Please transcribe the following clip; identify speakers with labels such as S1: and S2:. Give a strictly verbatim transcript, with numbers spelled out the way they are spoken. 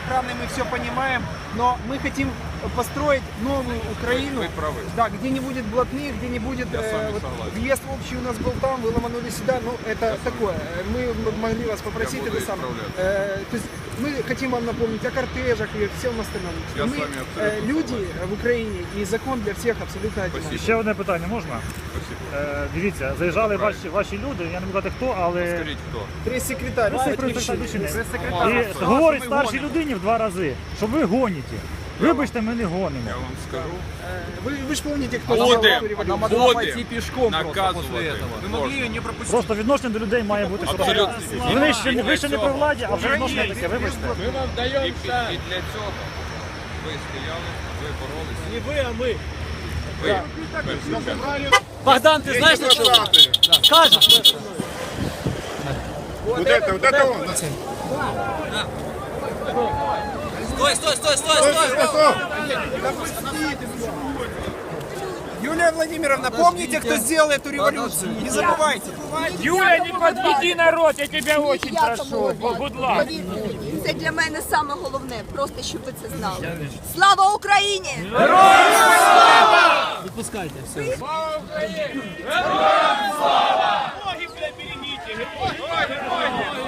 S1: охраны, мы все понимаем, но мы хотим построить новую Украину,
S2: Вы правы.
S1: да, где не будет блатных, где не будет
S2: Я с вами
S1: вот,
S2: согласен.
S1: въезд общий у нас был там, вы ломанули сюда, ну это такое. Мы могли вас попросить
S2: Я буду
S1: это самое.
S2: исправляться.
S1: Э, то есть мы хотим вам напомнить о кортежах и всем остальном.
S2: Я
S1: мы
S2: с вами абсолютно
S1: э, люди
S2: согласен.
S1: в Україні і закон для всіх абсолютно одинаковий.
S3: Ще одне питання можна?
S2: Спасибо.
S3: Е, дивіться, заїжджали
S2: Правильно.
S3: ваші, ваші люди, я не буду казати хто, але
S2: Скажіть, хто?
S1: Прес-секретарь,
S3: прес-секретар.
S1: прес-секретарь.
S3: і говорить старшій людині в два рази, що ви гоніте. Вибачте, ми не гонимо.
S2: Я вам скажу.
S1: Вы, вы же помните, кто
S2: Будем,
S1: сделал эту революцию?
S2: будем наказувати.
S4: Вы могли ее не пропустить.
S3: Просто відношення до людей має бути
S2: Абсолютно.
S3: справедливе. Ви ще, не- ви ще не при владі, а вже відношення таке, вибачте.
S2: Ми вам даємо і, під- і для цього ви стояли, ви боролися.
S4: Не вы, а мы.
S2: Ви. ви.
S4: Богдан, ты знаешь, на что? Скажешь?
S2: Вот это, вот это он.
S4: Стой, стой, стой, стой, стой!
S1: Юлия Владимировна, помните, кто сделал эту революцию? Не забывайте.
S5: Юля, не подведи народ, я тебя очень прошу. Будь ласка.
S6: Це для мене саме головне, просто щоб ви це знали. Слава Україні!
S4: Выпускайте, все.
S5: Ноги, бля, берегите. Герой, герой, герой.